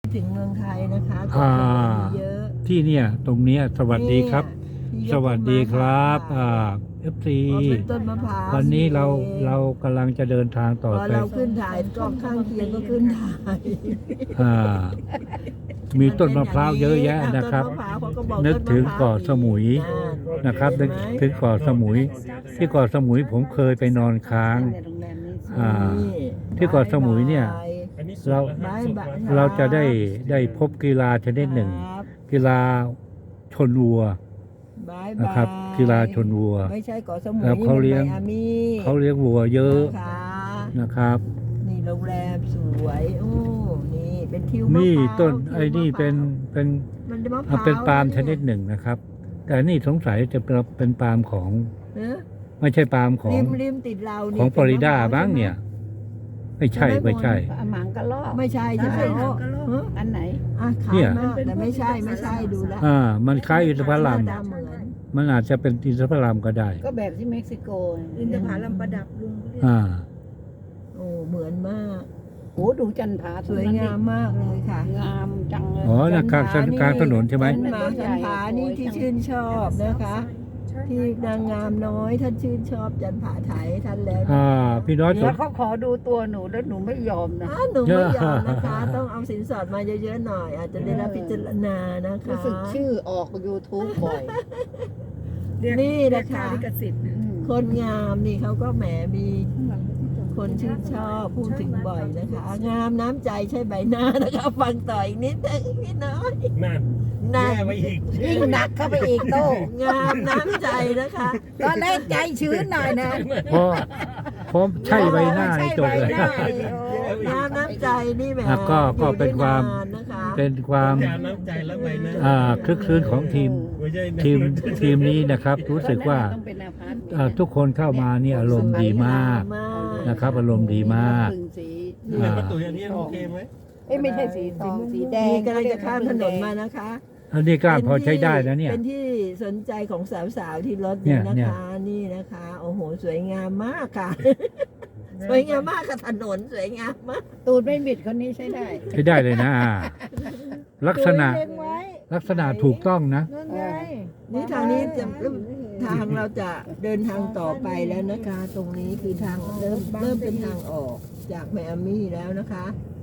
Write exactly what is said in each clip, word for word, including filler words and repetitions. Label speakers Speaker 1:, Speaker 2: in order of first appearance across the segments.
Speaker 1: ถึงเมืองไทยนะคะ
Speaker 2: อ่า
Speaker 1: เยอะ
Speaker 2: ที่เนี่ยตรงเนี้ยสวัสดีครับ
Speaker 1: เนี่ย
Speaker 2: สวัสดีครับอ่าเอฟซี
Speaker 1: พอเป็นต้นมะพร้าว
Speaker 2: วันนี้เรา
Speaker 1: อง
Speaker 2: เรากำลังจะเดินทางต่อ
Speaker 1: พอ
Speaker 2: ไป
Speaker 1: เราขึ้นถ่ายกล้องข้างเคียงก็ขึ้นถ่าย
Speaker 2: อ่ามีต้นมะพร้าวเยอะแยะนะครับ
Speaker 1: ต้มพาวเขาก็บอก
Speaker 2: นึกถึงเกาะสมุย
Speaker 1: อ่า
Speaker 2: นะครับนึกถึงเกาะสมุย ที่เกาะสมุยผมเคยไปนอนค้าง อ่า
Speaker 1: นี่
Speaker 2: ที่เกาะสมุยเนี่ย เรา
Speaker 1: บ๊ายบาย
Speaker 2: เราจะได้ได้พบกีฬาชนิดหนึ่ง
Speaker 1: ครับ
Speaker 2: กีฬาชนวัว
Speaker 1: บ๊าย
Speaker 2: นะ
Speaker 1: บาย
Speaker 2: ครับ กีฬาชนวัว
Speaker 1: ไม่ใช่เกาะสมุย
Speaker 2: แล้วเขาเลี้ยง
Speaker 1: นี่มันไมอามี่
Speaker 2: เขาเลี้ยงวัวเยอะ
Speaker 1: นะคะ
Speaker 2: นะครับ
Speaker 1: นี่โรงแรมสวยโอ้นี่เป็นทิวมะพร้าว
Speaker 2: นี่ต้น
Speaker 1: ทิว
Speaker 2: ไอ้นี่
Speaker 1: มะพร้าว
Speaker 2: เป็นเป็น
Speaker 1: มันจะมะพ
Speaker 2: อ่ะ
Speaker 1: ร้าว
Speaker 2: เป็นปาล์มชนิด
Speaker 1: เย
Speaker 2: หนึ่งนะครับ แต่นี่สงสัยจะเป็นเป็นปาล์มของ
Speaker 1: เออ
Speaker 2: ไม่ใช่ปาล์มของ
Speaker 1: ริมริมติดเรา
Speaker 2: ของ
Speaker 1: นี่
Speaker 2: ฟลอริดา
Speaker 1: ป็มะพว
Speaker 2: บ้างเนี่ย ไม่ใช่ไม่ใช่
Speaker 3: หมังกะลอก
Speaker 1: ไม่ใช่ใช่ไหม
Speaker 3: ใช่
Speaker 1: โอ้
Speaker 3: หมังกะลอก
Speaker 1: ฮะ
Speaker 3: อันไหน
Speaker 1: อ่ะขา
Speaker 2: เนี่ย ย
Speaker 1: มากแต่ไม่ใช่ไม่ใช่ดูแลว
Speaker 2: อ่า มันคล้ายอินทผลัม
Speaker 1: หน้าตาเหมือน
Speaker 2: มันอาจจะเป็นอินทผลัมก็ได้
Speaker 3: ก็แบบที่เม็กซิโก
Speaker 4: อินทผลัมประดับลุงเรียก
Speaker 2: อ่า
Speaker 1: โอ้เหมือนมาก
Speaker 3: โอ้ดูจันผา
Speaker 1: สวยงามมากเลยค่ะ
Speaker 3: งามจังเลย
Speaker 2: อ๋อนะกลางถนนกลางถนนใช่ไหม
Speaker 1: ต้นหมาจันผานี่ที่ชื่นชอบนะคะ ที่นางงามน้อยท่านชื่นชอบจันผาไทยท่านแล้วนะ
Speaker 2: อ่า พี่น้อยส
Speaker 3: แล้
Speaker 2: น
Speaker 3: วเขาขอดูตัวหนูแล้วหนูไม่ยอมนะ
Speaker 1: อ้าวหนูไม่ยอมนะคะ ต้องเอาสินสอดมาเยอะๆหน่อย อาจจะได้รับพิจารณานะคะ
Speaker 3: รู้สึกชื่อออก YouTube บ่อย
Speaker 4: เรียก
Speaker 1: นี่
Speaker 4: เรี
Speaker 1: นะ
Speaker 4: ยกค่า
Speaker 1: คะ
Speaker 4: ลิขสิทธิ์นะ
Speaker 3: อืม
Speaker 1: คนงามนี่เขาก็แหมมีคนชื่นชอบพูดถึงบ่อยนะคะ งามน้ำใจใช่ใบหน้านะคะ ฟังต่ออีกนิดนึงพี่น้อย
Speaker 5: นั่น
Speaker 1: นั่น
Speaker 5: แย่ไปอีก
Speaker 3: ยิ่งหนักเข้าไปอีกโต้
Speaker 1: งามน้ำใจนะคะ
Speaker 3: ตอนแรกใจชื้นหน่อยนะ
Speaker 2: เพราะเพราะใช่ใบหน้านี่จบเลย
Speaker 3: ใช่ใบหน้าโอ้
Speaker 1: งามน้ำใจนี่แหม
Speaker 2: อ่ะก็ก็
Speaker 1: อยู่ได้
Speaker 2: เป็นความ
Speaker 1: นนนะคะ
Speaker 2: เป็นความ
Speaker 5: จานน้ำใจแล้วไปนะ
Speaker 2: อ่าคลึกคลื้นของทีม
Speaker 5: ไม่ใช่นะ
Speaker 2: ทีมทีมนี้นะครับ รู้สึกว่า
Speaker 3: ต้องเป็นอาพาร์ตเมนต์
Speaker 2: อ่าทุกคนเข้ามานี่อารมณ์ดีมาก
Speaker 1: มาก
Speaker 2: นะครับ อารมณ์ดีมาก
Speaker 3: พึ่งสี
Speaker 5: นี่แหละประตูอันนี้โอเคไหม
Speaker 3: เอ้ยไม่ใช่สีทองสีแดง
Speaker 1: นี่กำลังจะข้ามถนนมานะคะ
Speaker 2: อันนี้ก็พอใช้ได้นะเนี่ย
Speaker 1: เป็นที่สนใจของสาวๆที่รถ
Speaker 2: เนี่
Speaker 1: นี่
Speaker 2: ย
Speaker 1: นะคะ นี่นะคะ โอ้โห สวยงามมากค่ะ สวยงามมากค่ะถนนสวยงามมาก
Speaker 3: ตูดไม่บิดคนนี้ใช้ได้
Speaker 2: ใช้ได้เลยนะอ่าลักษณะ
Speaker 3: เล็งไว้
Speaker 2: ลักษณะถูกต้องนะ
Speaker 3: นั่นไง
Speaker 1: นี่ทางนี้จะทางเราจะเดินทางต่อไปแล้วนะคะ ตรงนี้คือทางเริ่มเริ่มเป็นทางออกจากไมอามี่แล้วนะคะ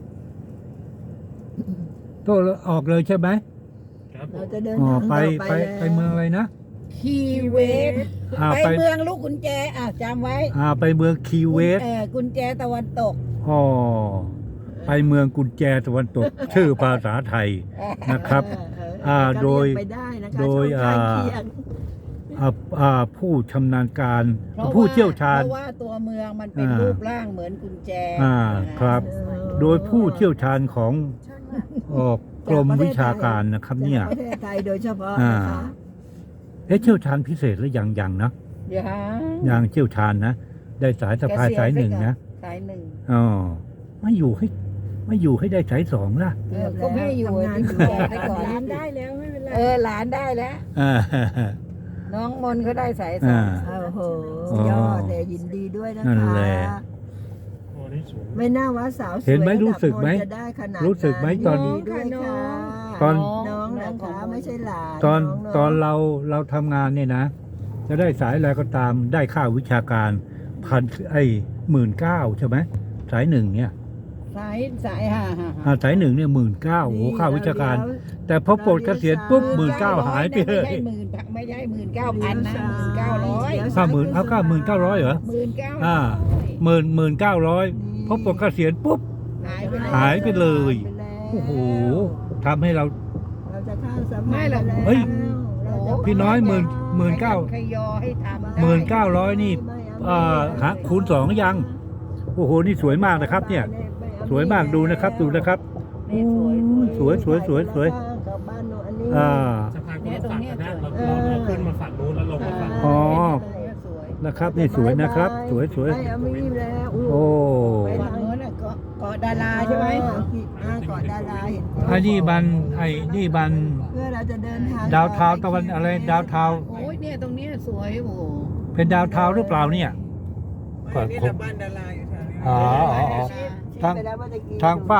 Speaker 2: โตออกเลยใช่ไหม
Speaker 5: ครับผ
Speaker 1: เรา
Speaker 5: ม
Speaker 1: จะเดิน
Speaker 2: อ๋อ
Speaker 1: ทาง
Speaker 2: ไป
Speaker 1: ต่อไป
Speaker 2: ไป
Speaker 1: แล้ว
Speaker 2: ไปเมืองอะไรนะ
Speaker 3: คีเวส
Speaker 2: อ่า
Speaker 3: ไป
Speaker 2: ไป
Speaker 3: เมืองลูกกุญแจอ่ะจำไว้
Speaker 2: อ่าไปเมืองคีเวส
Speaker 3: เออกุญแจตะวันตก
Speaker 2: อ๋อไปเมืองกุญแจตะวันตก ชื่อภาษาไทยนะครับ
Speaker 1: เออเออ
Speaker 2: อ่า
Speaker 1: ก็
Speaker 2: โดย
Speaker 1: เรีกไปได้นะคะ
Speaker 2: โดย
Speaker 1: ช่องทาง
Speaker 2: อ่า
Speaker 1: เคียง
Speaker 2: อ่าอ่าผู้ชำนาญการ
Speaker 3: เพราะ
Speaker 2: ผู้
Speaker 3: ว่า
Speaker 2: เชี่ยวชาญ
Speaker 3: เพราะว่าตัวเมืองมันเป็น
Speaker 2: อ่ารู
Speaker 3: รูปร่างเหมือนกุญแจ
Speaker 2: อ่าครับ
Speaker 1: เออ
Speaker 2: โดยผู้เชี่ยวชาญของออกกรมวิชาการนะครับเนี่ย
Speaker 1: จากประเทศไทยโดยเฉพาะ
Speaker 2: อ่า
Speaker 1: นะคะ
Speaker 2: เอ๊ะเชี่ยวชาญพิเศษหรือยังยังนะ
Speaker 3: อย่า
Speaker 2: ยังเชี่ยวชาญนะ ได้สายสะพายสายหนึ่งนะ
Speaker 3: สายหนึ่ง
Speaker 2: อ๋อไม่อยู่ให้ไม่อยู่ให้ได้สายสองล่ะ
Speaker 3: เออก็ไม่อยู่
Speaker 1: ทำงาน
Speaker 3: ที่
Speaker 1: อยู่
Speaker 3: กุญแจไปก่อน
Speaker 4: ร้านได้แล้วไม่เป็นไร
Speaker 3: เออหลานได้แล้ว
Speaker 2: อ่า
Speaker 3: น้องมนเขาได้สายสอ
Speaker 2: อ่า
Speaker 3: ง
Speaker 1: โอ้โห
Speaker 2: อ๋อย
Speaker 1: อดเลยยินดีด้วยนะคะ
Speaker 2: นั่นแหละ
Speaker 5: โอ้นี่สูง
Speaker 1: ไม่น่าว่าสาวสวย
Speaker 2: เห็นไหมรู้สึกไหม
Speaker 1: ระดับนนท์จะได้ขนาด
Speaker 2: รู้สึกไหมตอน
Speaker 1: ยิดีด้วยค่ะ
Speaker 2: ตอน
Speaker 1: น้องนะคะไม่ใช่หลาน
Speaker 2: ตอน
Speaker 1: งๆ
Speaker 2: ตอนเราเราทำงานเนี่ยนะ จะได้สายอะไรก็ตามได้ค่าวิชาการพันไอ้หมื่นเก้าใช่ไหมสายหนึ่งเนี่ย
Speaker 3: สายสายฮ่าฮ่า
Speaker 2: อ่าสายหนึ่งเนี่ยหมื่นเก้าโอ้โหค่าวิชาการ แต่พอปลดเกษียณปุ๊บหมื่นเก้าหายไปเลย
Speaker 3: ไม่ใช่หมื่นไม่ใช่หมื่นเก้าพันนะหมื่นเก้าร้อย
Speaker 2: ค่าหมื่นเอาค่าหมื่นเก้าร้อยเหรอ
Speaker 3: หมื่นเก้า
Speaker 2: อ่า หมื่นหมื่นเก้าร้อยพอปลดเกษียณปุ๊บ
Speaker 3: หายไปเลย
Speaker 2: หายไปเลย
Speaker 1: หายไปแล้ว
Speaker 2: โอ้โหทำให้เรา
Speaker 1: เราจะข้ามสะพาน
Speaker 3: ไม่หรอก
Speaker 1: ปแล้ว
Speaker 2: เฮ้ย
Speaker 1: เราจะ
Speaker 2: พี่น้อยหมื่นหมื่นเก้า
Speaker 3: ขยอให้ทำได้
Speaker 2: หมื่นเก้าร้อยนี่อ่าหาคูณสองยัง โอ้โห นี่สวยมากนะครับ เนี่ย สวยมากดูนะครับ ดูนะครับ
Speaker 3: นี่สวย
Speaker 2: สวยสวยสวยสวย
Speaker 1: กับบ้านโน้นอันนี้
Speaker 2: อ่า
Speaker 5: สะพานคนละฝั่งกันนะเราเราเราขึ้นมาฝั่งนู้นแล้วลงมาฝั่ง
Speaker 2: อ๋อ
Speaker 3: เนี่ยสวย
Speaker 2: นะครับ นี่สวยนะครับ สวยสวย
Speaker 1: ไม่เอามีแล้ว
Speaker 2: โอ้
Speaker 1: ไป
Speaker 3: ฝั่งโน้นน่ะเกาะเกาะดาราใช่ไหม
Speaker 1: อ่าเกาะดาราเห็น
Speaker 2: ไอ้นี่บันไอ้นี่บัน
Speaker 1: เพื่อเราจะเดินทาง
Speaker 2: ดาวเทาวน์ตะวันอะไรดาวเทาวน์
Speaker 3: โอ้ยเนี่ยตรงเนี้ยสวยโอ้โห
Speaker 2: เป็นดาวเทาวน์หรือเปล่าเนี่ยก่อน
Speaker 4: นี่
Speaker 2: ผม
Speaker 4: บ้านดาราอยู่แถวนี้
Speaker 2: อ๋ออ๋ออ๋อ ทาง
Speaker 1: ไปแล้วเมื่อตะกี้
Speaker 2: ทางฝาก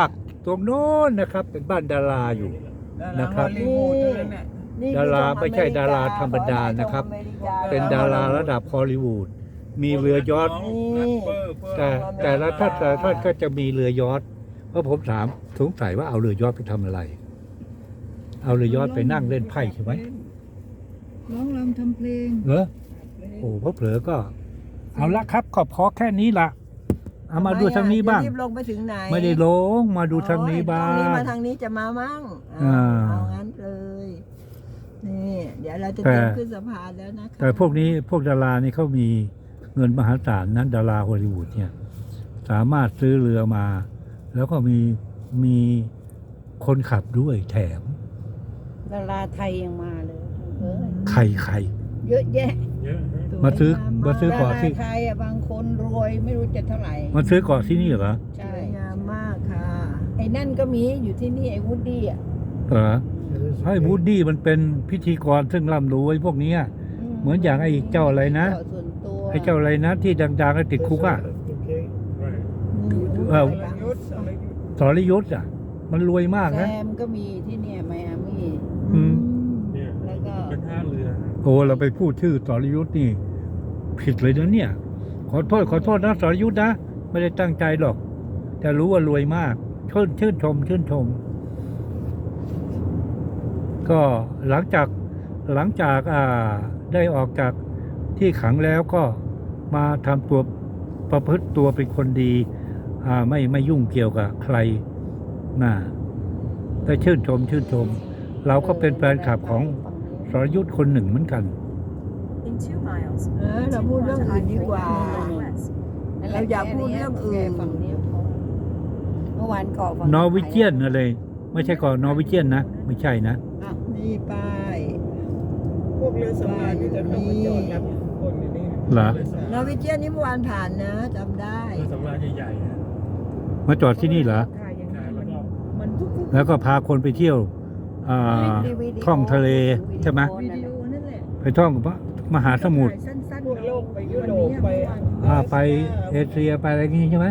Speaker 2: ตรงโน้นนะครับ เป็นบ้านดาราอยู่ นะครับ
Speaker 3: ฮอลลีวูดทั้งนั้นน่ะ
Speaker 1: นี่
Speaker 2: ดารา
Speaker 1: คือ
Speaker 2: ไม่ใช่
Speaker 1: ของอเม
Speaker 2: ดาราธรรมดานะครับ เป็นดาราระดับฮอลลีวูดมีเรือยอชต์แต่แต่ละท่านแต่ละท่านก็จะมีเรือยอชต์เพราะผมถามสงสัยว่าเอาเรือยอชต์ไปทำอะไร เอาเรือยอชต์ไปนั่งเล่นไพ่ใช่ไหม
Speaker 4: ร้องรำทำเพลง
Speaker 2: เหรอโอ้เพราะเผลอก็ เอาละครับขอพอแค่นี้ละเอามาดูทางนี้บ้าง
Speaker 1: จะรีบลงไปถึงไหน
Speaker 2: ไม่ได้ลงมาดูทางนี้บ้า
Speaker 1: โอ้ยทางนี้
Speaker 2: ง
Speaker 1: มาทางนี้จะมามั่ง
Speaker 2: อ่า
Speaker 1: เอางั้นเลย นี่ เดี๋ยวเราจะ
Speaker 2: แต่
Speaker 1: เดินขึ้นสะพานแล้วนะคะ
Speaker 2: แต่พวกนี้พวกดารานี่เขามีเงินมหาศาลนั้นดาราฮอลลีวูดเนี่ย สามารถซื้อเรือมา แล้วก็มีมีคนขับด้วยแถม
Speaker 3: ดาราไทยยังมาเลยเออ
Speaker 2: ใครใคร
Speaker 3: เยอะแยะ
Speaker 5: เยอะนะ
Speaker 2: มาซื้อมาซื้อ
Speaker 3: ดา
Speaker 2: เกาะ
Speaker 3: รา
Speaker 2: ที่
Speaker 3: ไทยอ่ะบางคนรวยไม่รู้จะเท่าไหร่
Speaker 2: มาซื้อเกาะที่นี่เหรอ
Speaker 1: ส
Speaker 3: ใช่
Speaker 1: วยงามมากค่ะ
Speaker 3: ไอ้นั่นก็มีอยู่ที่นี่ไอ้วูดดี้อ่ะ
Speaker 2: เหรอให้วูดดี้มันเป็นพิธีกรซึ่งร่ำรวยพวกเนี้ย เหมือนอย่างไอ้เจ้าอะไรนะ
Speaker 3: เกาส่วนตัว
Speaker 2: ไอ้เจ้าอะไรนะที่ดังๆแล้วติดคุกอ่ะ เออ สรยุทธ์อ่ะ มันรวยมาก
Speaker 3: แซ
Speaker 2: นะ
Speaker 3: มก็มีที่เนี่ยไมอามี่
Speaker 2: อืม
Speaker 5: เนี่ย
Speaker 3: แล้วก็
Speaker 5: เป็นท่าเรือ
Speaker 2: โอ้เราไปพูดชื่อสรยุทธ์นี่ผิดเลยนะเนี่ย ขอโทษขอโทษนะสรยุทธ์นะไม่ได้ตั้งใจหรอก แต่รู้ว่ารวยมากชื่นชื่นชม ชื่นชม ก็หลังจากหลังจากอ่าได้ออกจากที่ขังแล้วก็มาทำตัวประพฤติตัวเป็นคนดี อ่าไม่ไม่ยุ่งเกี่ยวกับใครน่ะได้ชื่นชม ชื่นชม เราก็เป็นแฟนคลับของสรยุทธ์คนหนึ่งเหมือนกัน
Speaker 6: In two miles,
Speaker 1: เออเราพูดเรื่องอื่นดีกว่า
Speaker 6: west.
Speaker 1: เราอย่าพูดเรื่องอื่น
Speaker 3: ฝั่งนี้พอเมื่อวานเกาะฝั่ง
Speaker 2: นอร์วิเจียนอะไรไม่ใช่ก่อนนอร์วิเจียนนะ ไม่ใช่นะ
Speaker 3: อ้าว
Speaker 1: นี่ป้าย
Speaker 3: พวกเรือสำราญนี่จะเข้ามาจอดรับคนอยู่นี่
Speaker 2: เหรอ
Speaker 1: นอร์วิเจียนนี่เมื่อวานผ่านนะจำได้
Speaker 5: เรือสำราญใหญ่ๆนะ
Speaker 2: มาจอดที่นี่เหรอ
Speaker 4: ถ่ายอย่าง
Speaker 5: ใช่
Speaker 4: นี้
Speaker 5: แล้ว
Speaker 4: มัน
Speaker 5: ก็
Speaker 4: มันทุก
Speaker 2: แล้วก็พาคนไปเที่ยว อ่า ท่องทะเลใช่ไหม
Speaker 4: วิดีโอนั่นแหละ
Speaker 2: ไปท่องพระมหาสมุทร
Speaker 4: ถ่ายสั้นๆ
Speaker 3: พวกโลกไปยุโรปไป
Speaker 2: อ่าไปเอเชียไปอะไรอย่างงี้ใช่ไหม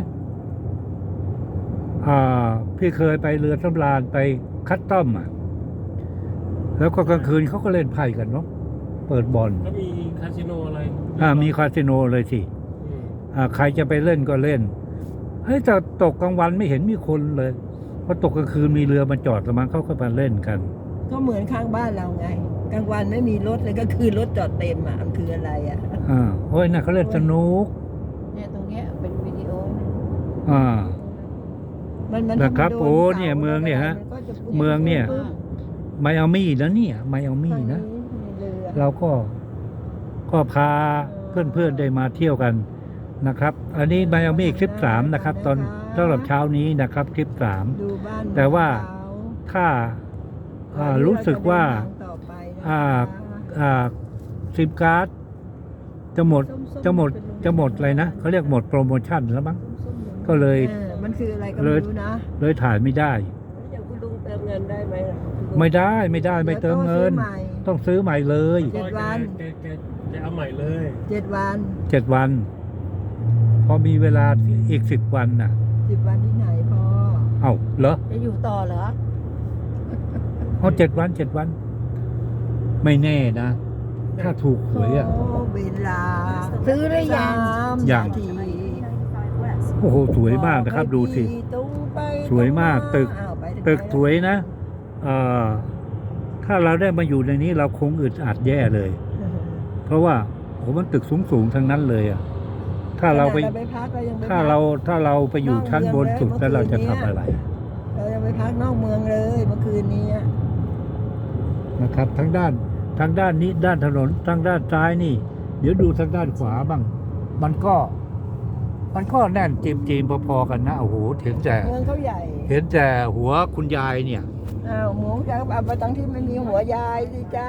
Speaker 2: อ่า พี่เคยไปเรือสำราญไปคัสตอมอ่ะ แล้วก็กลางคืนเขาก็เล่นไพ่กันเนาะ เปิดบอล
Speaker 5: ก็มีคาสิโนอะไร
Speaker 2: อ่า มีคาสิโนเลยสิ
Speaker 5: อืม
Speaker 2: อ่า ใครจะไปเล่นก็เล่น เฮ้ยแต่ตกกลางวันไม่เห็นมีคนเลยพอตกกลางคืนมีเรือมาจอดแล้วมันเขาก็มาเล่นกัน
Speaker 1: ก็เหมือนข้างบ้านเราไง กลางวันไม่มีรถเลยก็คือรถจอดเต็มอ่ะมันคืออะไรอ่ะ
Speaker 2: อ่าโอ้ยน่ะเขาเล่นสนุก
Speaker 3: เนี่ยตรงเนี้ยเป็นวิดีโอ
Speaker 2: อ่า
Speaker 1: มันมัน
Speaker 2: นะครับ
Speaker 1: โด
Speaker 2: โอ้
Speaker 1: สา
Speaker 2: เนี่ยเมืองเนี่ยฮะ
Speaker 1: มัก็จ
Speaker 2: เมืองเนี่ย
Speaker 3: อ่า
Speaker 2: ไมอามี่นะเนี่ย ไมอามี่นะ
Speaker 1: มีเรือ
Speaker 2: เราก็ก็พาเพื่อนๆได้มาเที่ยวกันนะครับ อันนี้ไมอามี่คลิปสามนะครับ ตอนสำหรับเช้านี้นะครับคลิปสาม
Speaker 1: ดูบ้าน
Speaker 2: แต่ว่า
Speaker 1: เข
Speaker 2: ถ้าอ่ารู้สึกว่า
Speaker 1: ต่อไปนะคะ
Speaker 2: อ่า อ่าซิมการ์ดจะหมดจะหมดจะหมดอะไรนะเขาเรียกหมดโปรโมชั่นแล้วมั้งก็เลย
Speaker 1: เออมันคืออะไรก็
Speaker 2: เล
Speaker 1: ไม่
Speaker 2: ย
Speaker 1: รู้นะ
Speaker 2: เลยถ่ายไม่ได้
Speaker 3: อย่างคุณลุงเติมเงินได้ไหมล่ะคุณลุง
Speaker 2: ไม่ได้ไม่ได้ไม่เติมเงิน ต้องซื้อใหม่เลย
Speaker 1: เจ็ดวัน
Speaker 5: แกแกแกเอาใหม่เลย
Speaker 1: เจ็ดวัน
Speaker 2: เจ็ดวัน พอมีเวลาอีกสิบวันน่ะ
Speaker 1: สิบวันที่ไหนพอ
Speaker 2: เอ้าเหรอ
Speaker 3: จะอยู่ต่อเหรอ
Speaker 2: เอาเจ็ดวันเจ็ดวัน ไม่แน่นะ ถ้าถูกหวยอ่ะ
Speaker 1: โอ้เวลา
Speaker 3: ซื้อหรือยัง
Speaker 1: สาม
Speaker 2: ยัง
Speaker 1: นาที
Speaker 6: ninety-five west.
Speaker 2: โอ้โหสวยมากนะครับ ดูสิ
Speaker 1: ตรงไป
Speaker 2: สวยมากตึก
Speaker 1: อ้าวไปถึง
Speaker 2: ตึก
Speaker 1: ไหน
Speaker 2: สวยนะเอ่อถ้าเราได้มาอยู่ในนี้เราคงอึดอัดแย่เลย เพราะว่าโอ้มันตึกสูงๆทั้งนั้นเลยอ่ะ ถ้าเราไป
Speaker 1: ขณะไปพักเรายังไป
Speaker 2: ถ้า
Speaker 1: พัก
Speaker 2: เราถ้าเราไปอยู่ชั้นบนสุดแล้วเราจะทำอะไร
Speaker 1: เรายังไปพักนอกเมืองเลยเมื่อคืนนี้อะ
Speaker 2: นะครับทางด้านทางด้านนี้ด้านถนนทางด้านซ้ายนี่ เดี๋ยวดูทางด้านขวาบ้าง มันก็ มันก็แน่นจีมจีมๆพอๆกันนะโอ้โหเห็นแต่
Speaker 1: เมืองเขาใหญ่
Speaker 2: เห็นแต่หัวคุณยายเนี่ย
Speaker 1: อ้าวหมูจะเอาไปตั้งที่ไม่มีหัวยายสิจ้า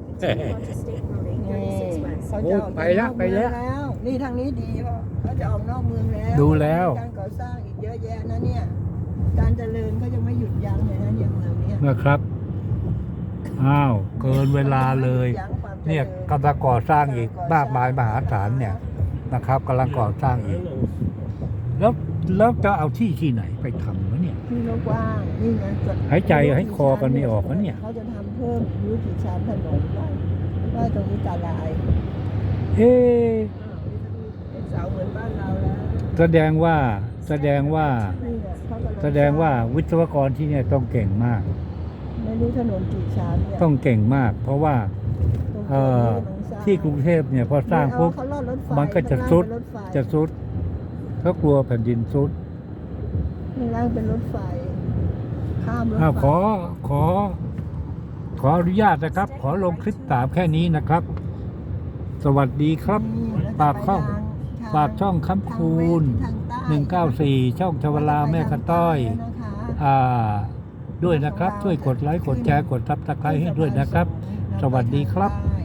Speaker 6: Onto State Road
Speaker 1: นี่
Speaker 6: eight thirty-six west.
Speaker 1: เขาจะออก
Speaker 2: ไปละไปละ
Speaker 1: นอกเมืองนี่ทางนี้ดีเพราะเขาจะออกนอกเมืองแล้ว
Speaker 2: ดูแล้ว
Speaker 1: การก่อสร้างอีกเยอะแยะนะเนี่ย การเจริญเขายังไม่หยุดยั้งเลยนะเนี่ยเมืองเนี้ย
Speaker 2: นะครับ อ้าว เกินเวลาเลย เนี่ยกำลังก่อสร้างอีกมากมายมหาศาลเนี่ยนะครับกำลังก่อสร้างอีก แล้วแล้วจะเอาที่ที่ไหนไปทำวะเนี่ย
Speaker 1: ที่กว้างนี่ไงจะ
Speaker 2: หายใจให้คอกันไม่ออกนะเนี่ย
Speaker 1: เขาจะทำเพิ่มรู้กี่ชั้นถนนว่าว่าตรงนี้ตาลาย
Speaker 2: เอ๊ะ
Speaker 1: เป็นเสาเหมือนบ้านเราแล้ว
Speaker 2: แสดงว่าแสดงว่า
Speaker 1: นี่ไงเขากำลั
Speaker 2: แสดงว่าวิศวกรที่เนี่ยต้องเก่งมาก
Speaker 1: ไม่รู้ถนนกี่ชั้นเนี่ย
Speaker 2: ต้องเก่งมาก เพราะว่า
Speaker 1: ตรง
Speaker 2: เอ่อ
Speaker 1: นี้ต้องสร้าง
Speaker 2: ที่กรุงเทพเนี่ยพอสร้างปุ๊บ
Speaker 1: เขาลอดรถไฟ
Speaker 2: มันก็จะ
Speaker 1: ข้างล่าง
Speaker 2: ซุด
Speaker 1: เป็นรถไฟ
Speaker 2: จะซุดเขากลัวแผ่นดินซุด
Speaker 1: ข้างล่างเป็นรถไฟข้ามรถ
Speaker 2: อ้าว
Speaker 1: ไฟ
Speaker 2: ขอขอ ขออนุญาตนะครับ ขอลงคลิปตามแค่นี้นะครับ สวัสดีครับ ปากช่องปากช่องคำคูณหนึ่งเก้าสี่ช่องชวลาแม่กระต้อย อ่า ด้วยนะครับ ช่วยกดไลค์กดแชร์กดซับสไครต์ให้ด้วยนะครับ สวัสดีครับ
Speaker 1: บ